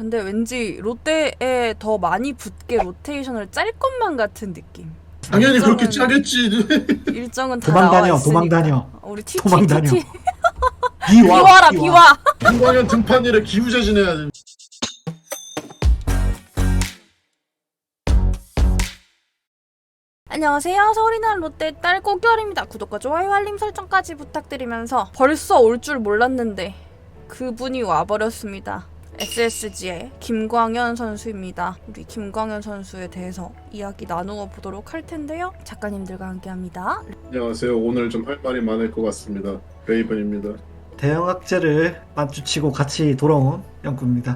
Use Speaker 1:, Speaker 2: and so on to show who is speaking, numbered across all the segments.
Speaker 1: 근데 왠지 롯데에 더 많이 붙게 로테이션을 짤 것만 같은 느낌.
Speaker 2: 당연히 그렇게
Speaker 1: 일정은-
Speaker 2: 짜겠지.
Speaker 1: 일정은 다
Speaker 3: 도망
Speaker 1: 나와
Speaker 3: 다녀,
Speaker 1: 있으니까.
Speaker 3: 도망 다녀.
Speaker 1: 우리
Speaker 3: 도망 다녀.
Speaker 1: TT
Speaker 3: 비와,
Speaker 1: 비와라 비와.
Speaker 2: 김광현 등판일에 기후제진해야 돼.
Speaker 1: 안녕하세요. 서울이 난 롯데 딸 꽃결입니다. 구독과 좋아요 알림 설정까지 부탁드리면서 벌써 올 줄 몰랐는데 그분이 와버렸습니다. SSG의 김광현 선수입니다. 우리 김광현 선수에 대해서 이야기 나누어 보도록 할 텐데요. 작가님들과 함께합니다.
Speaker 2: 안녕하세요. 오늘 좀 할 말이 많을 것 같습니다. 베이븐입니다.
Speaker 3: 대형 악재를 마주치고 같이 돌아온 영구입니다.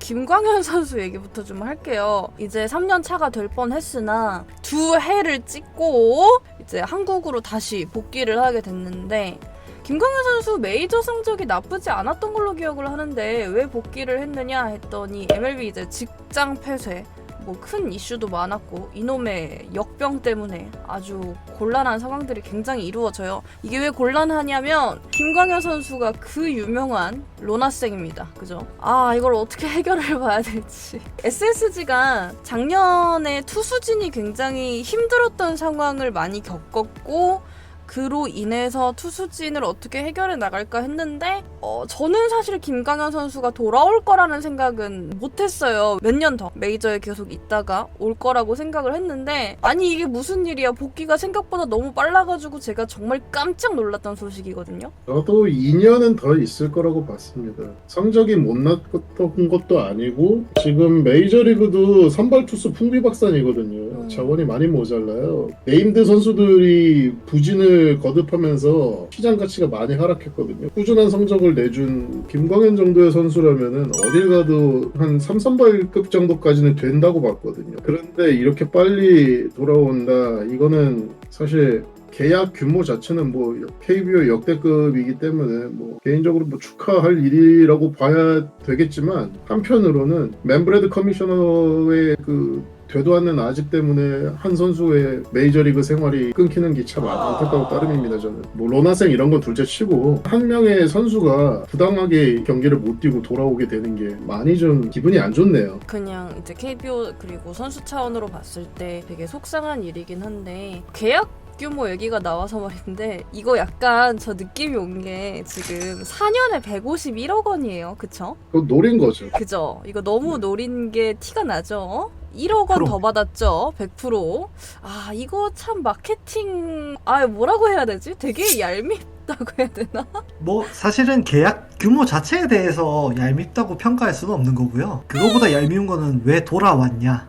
Speaker 1: 김광현 선수 얘기부터 좀 할게요. 이제 3년 차가 될 뻔했으나 두 해를 찍고 이제 한국으로 다시 복귀를 하게 됐는데 김광현 선수 메이저 성적이 나쁘지 않았던 걸로 기억을 하는데 왜 복귀를 했느냐 했더니 MLB 이제 직장 폐쇄 뭐 큰 이슈도 많았고 이놈의 역병 때문에 아주 곤란한 상황들이 굉장히 이루어져요. 이게 왜 곤란하냐면 김광현 선수가 그 유명한 로나생입니다. 그죠? 아 이걸 어떻게 해결을 봐야 될지. SSG가 작년에 투수진이 굉장히 힘들었던 상황을 많이 겪었고 그로 인해서 투수진을 어떻게 해결해 나갈까 했는데 저는 사실 김광현 선수가 돌아올 거라는 생각은 못했어요. 몇 년 더 메이저에 계속 있다가 올 거라고 생각을 했는데 아니 이게 무슨 일이야. 복귀가 생각보다 너무 빨라가지고 제가 정말 깜짝 놀랐던 소식이거든요.
Speaker 2: 저도 2년은 더 있을 거라고 봤습니다. 성적이 못났던 것도 아니고 지금 메이저리그도 선발 투수 풍비박산이거든요. 자원이 많이 모자라요. 네임드 선수들이 부진을 거듭하면서 시장 가치가 많이 하락했거든요. 꾸준한 성적을 내준 김광현 정도의 선수라면은 어딜 가도 한 3선발급 정도까지는 된다고 봤거든요. 그런데 이렇게 빨리 돌아온다. 이거는 사실 계약 규모 자체는 뭐 KBO 역대급이기 때문에 뭐 개인적으로 뭐 축하할 일이라고 봐야 되겠지만 한편으로는 맨브레드 커미셔너의 그 되도 않는 아집 때문에 한 선수의 메이저리그 생활이 끊기는 게 참 안타까운 따름입니다. 저는 뭐 로나생 이런 건 둘째치고 한 명의 선수가 부당하게 경기를 못 뛰고 돌아오게 되는 게 많이 좀 기분이 안 좋네요.
Speaker 1: 그냥 이제 KBO 그리고 선수 차원으로 봤을 때 되게 속상한 일이긴 한데 계약 규모 얘기가 나와서 말인데 이거 약간 저 느낌이 온 게 지금 4년에 151억 원이에요. 그쵸?
Speaker 2: 그거 노린 거죠.
Speaker 1: 그죠? 이거 너무 노린 게 티가 나죠? 1억 원
Speaker 3: 그럼.
Speaker 1: 더 받았죠? 100%. 아 이거 참 마케팅 뭐라고 해야 되지? 되게 얄밉다고 해야 되나?
Speaker 3: 뭐 사실은 계약 규모 자체에 대해서 얄밉다고 평가할 수는 없는 거고요. 그거보다 얄미운 거는 왜 돌아왔냐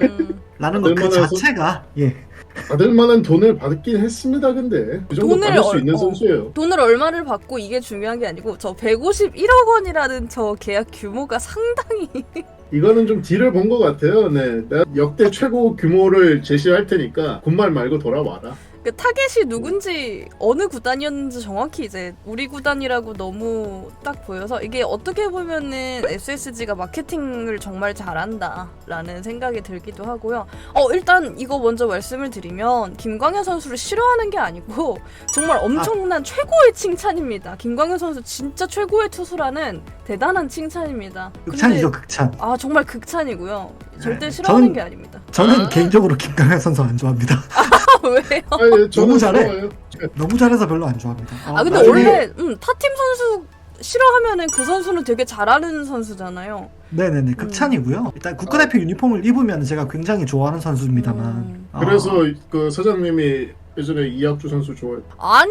Speaker 3: 라는 거 그
Speaker 2: 받을 만한
Speaker 3: 자체가
Speaker 2: 받을 만한 돈을 받긴 했습니다. 근데 그 정도
Speaker 1: 돈을
Speaker 2: 받을 수 있는 선수예요.
Speaker 1: 돈을 얼마를 받고 이게 중요한 게 아니고 저 151억 원이라는 저 계약 규모가 상당히
Speaker 2: 이거는 좀 딜을 본 것 같아요. 네, 내가 역대 최고 규모를 제시할 테니까 군말 말고 돌아와라.
Speaker 1: 그 타겟이 누군지 어느 구단이었는지 정확히 이제 우리 구단이라고 너무 딱 보여서 이게 어떻게 보면은 SSG가 마케팅을 정말 잘한다라는 생각이 들기도 하고요. 일단 이거 먼저 말씀을 드리면 김광현 선수를 싫어하는 게 아니고 정말 엄청난 최고의 칭찬입니다. 김광현 선수 진짜 최고의 투수라는 대단한 칭찬입니다.
Speaker 3: 극찬이죠, 극찬.
Speaker 1: 정말 극찬이고요. 절대
Speaker 3: 네,
Speaker 1: 싫어하는
Speaker 3: 저는-
Speaker 1: 게 아닙니다.
Speaker 3: 저는 개인적으로 김광현 선수 안 좋아합니다.
Speaker 1: 왜요?
Speaker 2: 아니, 저는
Speaker 3: 너무 잘해.
Speaker 2: 좋아요.
Speaker 3: 너무 잘해서 별로 안 좋아합니다.
Speaker 1: 근데
Speaker 3: 나중에-
Speaker 1: 원래 타팀 선수 싫어하면은 그 선수는 되게 잘하는 선수잖아요.
Speaker 3: 네네네 극찬이고요. 일단 국가대표 유니폼을 입으면 제가 굉장히 좋아하는 선수입니다만
Speaker 2: 그래서 그 사장님이 예전에 이학주 선수 좋아해.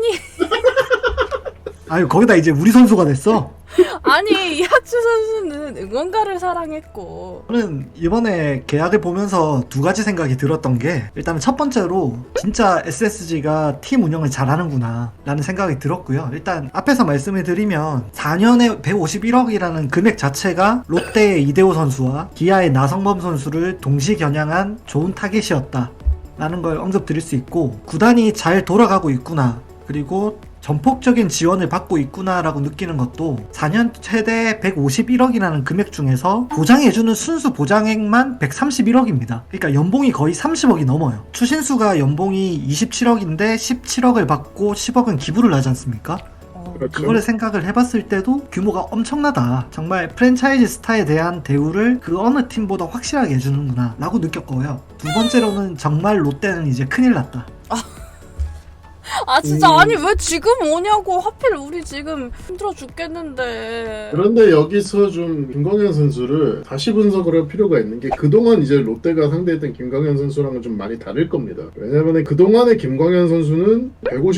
Speaker 3: 아유 거기다 이제 우리 선수가 됐어.
Speaker 1: 아니 이학주 선수는 응원가를 사랑했고
Speaker 3: 저는 이번에 계약을 보면서 두 가지 생각이 들었던 게 일단 첫 번째로 진짜 SSG가 팀 운영을 잘하는구나 라는 생각이 들었고요. 일단 앞에서 말씀을 드리면 4년에 151억이라는 금액 자체가 롯데의 이대호 선수와 기아의 나성범 선수를 동시 겨냥한 좋은 타겟이었다 라는 걸 언급드릴 수 있고 구단이 잘 돌아가고 있구나 그리고 전폭적인 지원을 받고 있구나라고 느끼는 것도 4년 최대 151억이라는 금액 중에서 보장해주는 순수 보장액만 131억입니다. 그러니까 연봉이 거의 30억이 넘어요. 추신수가 연봉이 27억인데 17억을 받고 10억은 기부를 하지 않습니까?
Speaker 2: 그렇죠.
Speaker 3: 그거를 생각을 해봤을 때도 규모가 엄청나다. 정말 프랜차이즈 스타에 대한 대우를 그 어느 팀보다 확실하게 해주는구나 라고 느꼈고요. 두 번째로는 정말 롯데는 이제 큰일 났다.
Speaker 1: 아 진짜 아니 왜 지금 오냐고. 하필 우리 지금 힘들어 죽겠는데.
Speaker 2: 그런데 여기서 좀 김광현 선수를 다시 분석을 할 필요가 있는 게 그동안 이제 롯데가 상대했던 김광현 선수랑은 좀 많이 다를 겁니다. 왜냐면 그동안의 김광현 선수는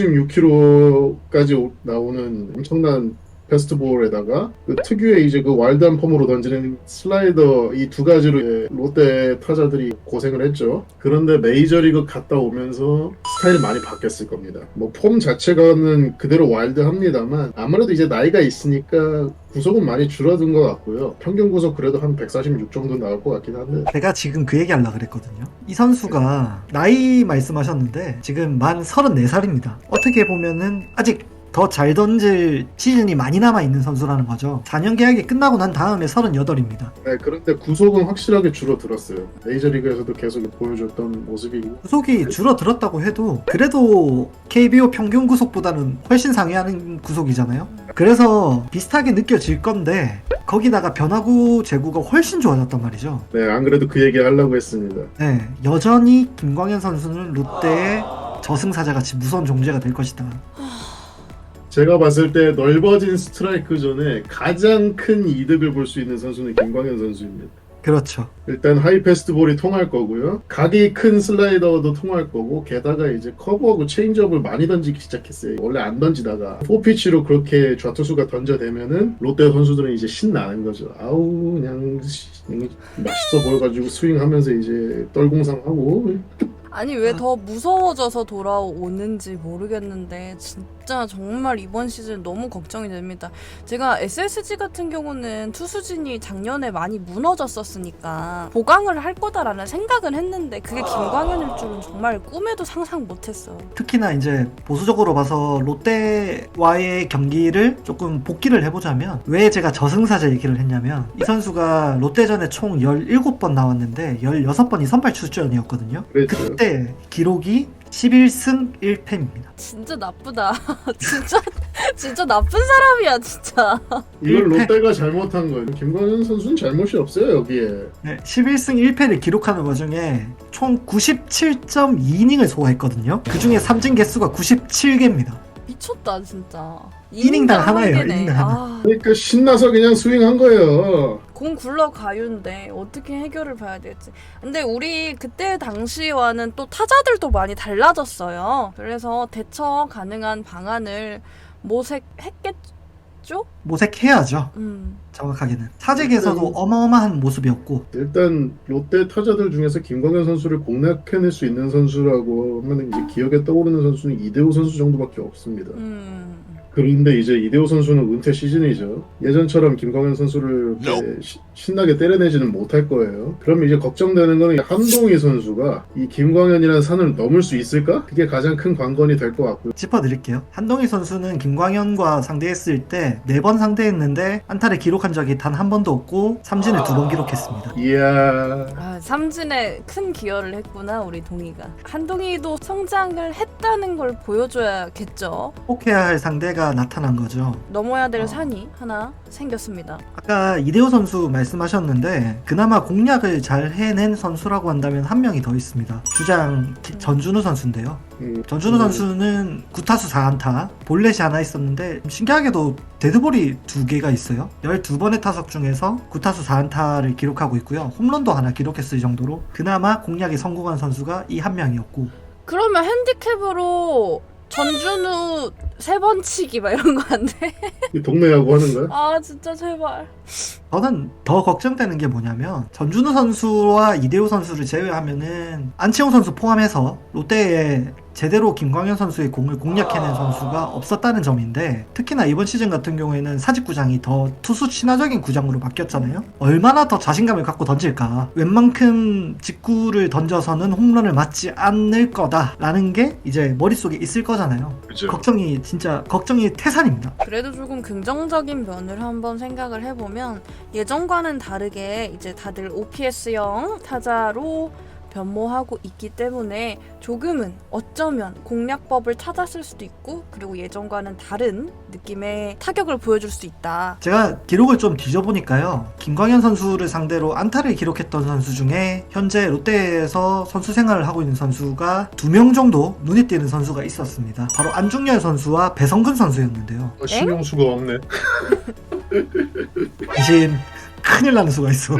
Speaker 2: 156km까지 나오는 엄청난 패스트볼에다가 그 특유의 이제 그 와일드한 폼으로 던지는 슬라이더 이 두 가지로 이제 롯데 타자들이 고생을 했죠. 그런데 메이저리그 갔다 오면서 스타일이 많이 바뀌었을 겁니다. 뭐 폼 자체가는 그대로 와일드합니다만 아무래도 이제 나이가 있으니까 구속은 많이 줄어든 것 같고요. 평균 구속 그래도 한 146 정도 나올 것 같긴 한데.
Speaker 3: 제가 지금 그 얘기 하려고 그랬거든요. 이 선수가 나이 말씀하셨는데 지금 만 34살입니다. 어떻게 보면은 아직 더 잘 던질 시즌이 많이 남아있는 선수라는 거죠. 4년 계약이 끝나고 난 다음에 38입니다.
Speaker 2: 네, 그런데 구속은 확실하게 줄어들었어요. 메이저리그에서도 계속 보여줬던 모습이고.
Speaker 3: 구속이 줄어들었다고 해도 그래도 KBO 평균 구속보다는 훨씬 상회하는 구속이잖아요. 그래서 비슷하게 느껴질 건데 거기다가 변화구 제구가 훨씬 좋아졌단 말이죠.
Speaker 2: 네, 안 그래도 그 얘기 하려고 했습니다.
Speaker 3: 네, 여전히 김광현 선수는 롯데의 저승사자같이 무서운 존재가 될 것이다.
Speaker 2: 제가 봤을 때 넓어진 스트라이크 존에 가장 큰 이득을 볼 수 있는 선수는 김광현 선수입니다.
Speaker 3: 그렇죠.
Speaker 2: 일단 하이 패스트볼이 통할 거고요. 각이 큰 슬라이더도 통할 거고 게다가 이제 커브하고 체인지업을 많이 던지기 시작했어요. 원래 안 던지다가 4피치로 그렇게 좌투수가 던져대면은 롯데 선수들은 이제 신나는 거죠. 아우 그냥 맛있어 보여가지고 스윙하면서 이제 떨공상하고.
Speaker 1: 아니 왜 더 무서워져서 돌아오는지 모르겠는데 진짜 정말 이번 시즌 너무 걱정이 됩니다. 제가 SSG 같은 경우는 투수진이 작년에 많이 무너졌었으니까 보강을 할 거다라는 생각은 했는데 그게 김광현일 줄은 정말 꿈에도 상상 못했어.
Speaker 3: 특히나 이제 보수적으로 봐서 롯데와의 경기를 조금 복기를 해보자면 왜 제가 저승사자 얘기를 했냐면 이 선수가 롯데전에 총 17번 나왔는데 16번이 선발 출전이었거든요.
Speaker 2: 그랬죠.
Speaker 3: 그때 기록이 11승 1패입니다.
Speaker 1: 진짜 나쁘다. 진짜 나쁜 사람이야 진짜.
Speaker 2: 이걸 롯데가 잘못한 거예요. 김광현 선수는 잘못이 없어요 여기에.
Speaker 3: 네, 11승 1패를 기록하는 와중에 총 97.2이닝을 소화했거든요. 그 중에 삼진 개수가 97개입니다.
Speaker 1: 미쳤다 진짜.
Speaker 3: 이닝당 하나예요,
Speaker 1: 개네.
Speaker 3: 이닝당 하나.
Speaker 1: 아,
Speaker 2: 그러니까 신나서 그냥 스윙한 거예요.
Speaker 1: 공 굴러가요인데 어떻게 해결을 봐야 될지. 근데 우리 그때 당시와는 또 타자들도 많이 달라졌어요. 그래서 대처 가능한 방안을 모색했겠죠?
Speaker 3: 모색해야죠. 정확하게는 사직에서도 어마어마한 모습이었고
Speaker 2: 일단 롯데 타자들 중에서 김광현 선수를 공략해낼 수 있는 선수라고 하면 이제 기억에 떠오르는 선수는 이대호 선수 정도밖에 없습니다. 그런데 이제 이대호 선수는 은퇴 시즌이죠. 예전처럼 김광현 선수를 이렇게 신나게 때려내지는 못할 거예요. 그럼 이제 걱정되는 거는 한동희 선수가 이 김광현이라는 산을 넘을 수 있을까? 그게 가장 큰 관건이 될 것 같고요.
Speaker 3: 짚어드릴게요. 한동희 선수는 김광현과 상대했을 때 4번 상대했는데 안타를 기록한 적이 단 한 번도 없고 삼진을 2번 기록했습니다.
Speaker 2: 이야.
Speaker 1: 아, 삼진에 큰 기여를 했구나 우리 동희가. 한동희도 성장을 했다는 걸 보여줘야겠죠.
Speaker 3: 꼭 해야 할 상대가 나타난 거죠.
Speaker 1: 넘어야 될 산이 하나 생겼습니다.
Speaker 3: 아까 이대호 선수 말씀하셨는데 그나마 공략을 잘 해낸 선수라고 한다면 한 명이 더 있습니다. 주장 전준우 선수인데요. 전준우 선수는 9타수 4안타, 볼넷이 하나 있었는데 신기하게도 데드볼이 2개가 있어요. 12번의 타석 중에서 9타수 4안타를 기록하고 있고요. 홈런도 하나 기록했을 정도로 그나마 공략에 성공한 선수가 이 한 명이었고.
Speaker 1: 그러면 핸디캡으로 전준우 3번 치기 막 이런 거 안 돼?
Speaker 2: 동네 야구 하는 거야?
Speaker 1: 아 진짜 제발.
Speaker 3: 저는 더 걱정되는 게 뭐냐면 전준우 선수와 이대호 선수를 제외하면은 안치홍 선수 포함해서 롯데에 제대로 김광현 선수의 공을 공략해낸 선수가 없었다는 점인데 특히나 이번 시즌 같은 경우에는 사직구장이 더 투수 친화적인 구장으로 바뀌었잖아요. 얼마나 더 자신감을 갖고 던질까. 웬만큼 직구를 던져서는 홈런을 맞지 않을 거다라는 게 이제 머릿속에 있을 거잖아요.
Speaker 2: 그죠.
Speaker 3: 걱정이 태산입니다.
Speaker 1: 그래도 조금 긍정적인 면을 한번 생각을 해보면 예전과는 다르게 이제 다들 OPS형 타자로 변모하고 있기 때문에 조금은 어쩌면 공략법을 찾았을 수도 있고 그리고 예전과는 다른 느낌의 타격을 보여줄 수 있다.
Speaker 3: 제가 기록을 좀 뒤져보니까요. 김광현 선수를 상대로 안타를 기록했던 선수 중에 현재 롯데에서 선수 생활을 하고 있는 선수가 2명 정도 눈에 띄는 선수가 있었습니다. 바로 안중열 선수와 배성근 선수였는데요.
Speaker 2: 신용 수가 없네.
Speaker 3: 대신 큰일 나는 수가 있어.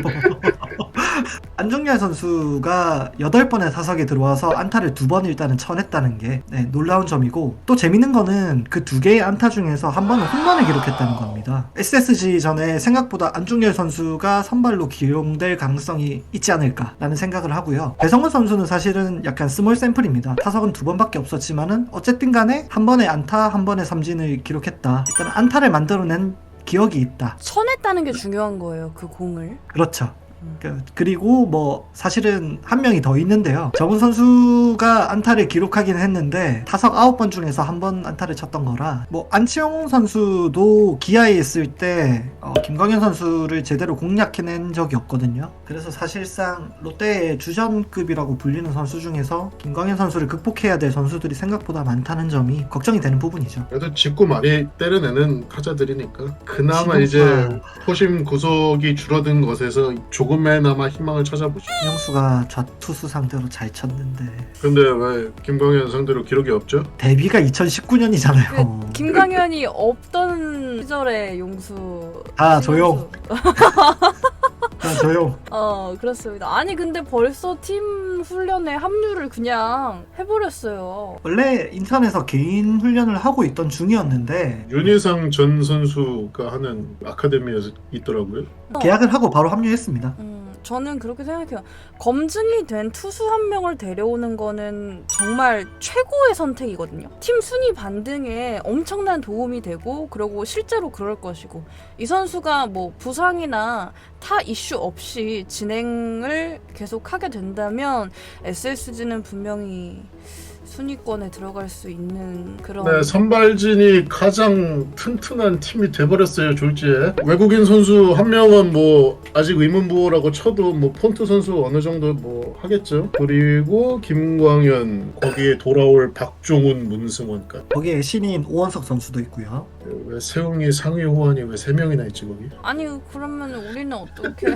Speaker 3: 안중열 선수가 8번의 타석에 들어와서 안타를 2번 일단은 쳐냈다는 게 놀라운 점이고, 또 재밌는 거는 그 2개의 안타 중에서 한 번은 홈런을 기록했다는 겁니다. SSG 전에 생각보다 안중열 선수가 선발로 기용될 가능성이 있지 않을까라는 생각을 하고요. 배성근 선수는 사실은 약간 스몰 샘플입니다. 타석은 2번밖에 없었지만은 어쨌든 간에 한 번의 안타, 한 번의 삼진을 기록했다. 일단 안타를 만들어낸 기억이 있다.
Speaker 1: 쳐냈다는 게 중요한 거예요. 그 공을.
Speaker 3: 그렇죠. 그리고 뭐 사실은 한 명이 더 있는데요. 정훈 선수가 안타를 기록하긴 했는데 타석 9번 중에서 한 번 안타를 쳤던 거라, 뭐 안치홍 선수도 기아에 있을 때 김광현 선수를 제대로 공략해낸 적이 없거든요. 그래서 사실상 롯데의 주전급이라고 불리는 선수 중에서 김광현 선수를 극복해야 될 선수들이 생각보다 많다는 점이 걱정이 되는 부분이죠.
Speaker 2: 그래도 직구 많이 때려내는 타자들이니까 그나마
Speaker 3: 지금
Speaker 2: 이제 포심 구속이 줄어든 것에서 조금이나마 희망을 찾아보죠.
Speaker 3: 형수가 좌투수 상대로 잘 쳤는데
Speaker 2: 근데 왜 김광현 상대로 기록이 없죠?
Speaker 3: 데뷔가 2019년이잖아요.
Speaker 1: 그 김광현이 없던 시절의 용수.
Speaker 3: 아, 조용. 조용.
Speaker 1: 그렇습니다. 아니 근데 벌써 팀 훈련에 합류를 그냥 해버렸어요.
Speaker 3: 원래 인천에서 개인 훈련을 하고 있던 중이었는데
Speaker 2: 윤희상 전 선수가 하는 아카데미에서 있더라고요.
Speaker 3: 계약을 하고 바로 합류했습니다.
Speaker 1: 저는 그렇게 생각해요. 검증이 된 투수 한 명을 데려오는 거는 정말 최고의 선택이거든요. 팀 순위 반등에 엄청난 도움이 되고, 그리고 실제로 그럴 것이고, 이 선수가 뭐 부상이나 타 이슈 없이 진행을 계속하게 된다면 SSG는 분명히 순위권에 들어갈 수 있는 그런.
Speaker 2: 네, 선발진이 가장 튼튼한 팀이 돼버렸어요, 졸지에. 외국인 선수 한 명은 뭐 아직 의문부호라고 쳐도 뭐 폰트 선수 어느 정도 뭐 하겠죠. 그리고 김광현, 거기에 돌아올 박종훈, 문승원까지.
Speaker 3: 거기에 신인 오원석 선수도 있고요.
Speaker 2: 왜 세웅이, 상위 호환이 왜 3명이나 있지 거기?
Speaker 1: 아니 그러면 우리는 어떻게?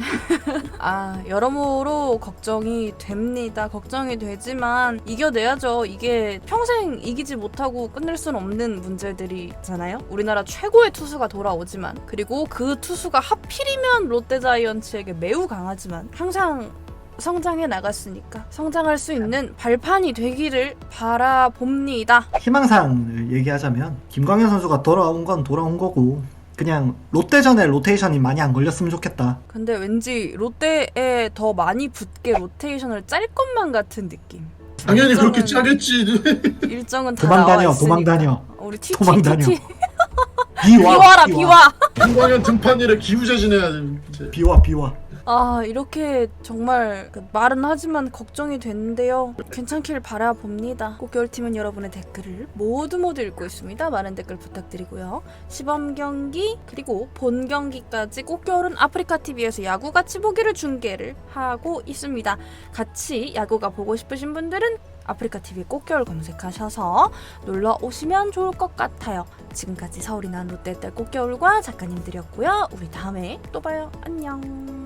Speaker 1: 여러모로 걱정이 됩니다. 걱정이 되지만 이겨내야죠. 이게 평생 이기지 못하고 끝낼 수는 없는 문제들이잖아요. 우리나라 최고의 투수가 돌아오지만, 그리고 그 투수가 하필이면 롯데자이언츠에게 매우 강하지만 항상 성장해 나갔으니까 성장할 수 있는 발판이 되기를 바라봅니다.
Speaker 3: 희망사항을 얘기하자면 김광현 선수가 돌아온 건 돌아온 거고, 그냥 롯데전에 로테이션이 많이 안 걸렸으면 좋겠다.
Speaker 1: 근데 왠지 롯데에 더 많이 붙게 로테이션을 짤 것만 같은 느낌.
Speaker 2: 당연히 그렇게
Speaker 1: 일정은-
Speaker 2: 짜겠지.
Speaker 1: 일정은 다
Speaker 3: 도망
Speaker 1: 나와
Speaker 3: 다녀,
Speaker 1: 있으니까.
Speaker 3: 도망 다녀.
Speaker 1: 우리 TT
Speaker 3: 도망 다녀.
Speaker 1: TT
Speaker 3: 비와,
Speaker 1: 비와.
Speaker 2: 김광현 등판일에 기우제진해야 돼. 이제.
Speaker 3: 비와.
Speaker 1: 이렇게 정말 말은 하지만 걱정이 되는데요. 괜찮길 바라봅니다. 꽃겨울팀은 여러분의 댓글을 모두 읽고 있습니다. 많은 댓글 부탁드리고요. 시범 경기 그리고 본 경기까지 꽃겨울은 아프리카TV에서 야구 같이 보기를 중계를 하고 있습니다. 같이 야구가 보고 싶으신 분들은 아프리카TV 꽃겨울 검색하셔서 놀러 오시면 좋을 것 같아요. 지금까지 서울이 난 롯데딸 꽃겨울과 작가님들이었고요. 우리 다음에 또 봐요. 안녕.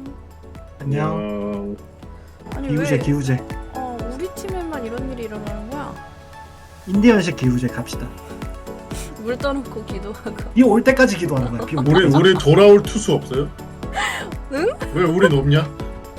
Speaker 3: 안녕.
Speaker 1: 아니
Speaker 3: 기우제.
Speaker 1: 우리 팀에만 이런 일이 일어나는 거야?
Speaker 3: 인디언식 기우제 갑시다.
Speaker 1: 물 떠놓고 기도하고.
Speaker 3: 비 올 때까지 기도하는 거야. 비 올 때까지.
Speaker 2: 우리 돌아올 투수 없어요?
Speaker 1: 응?
Speaker 2: 왜 우린 없냐?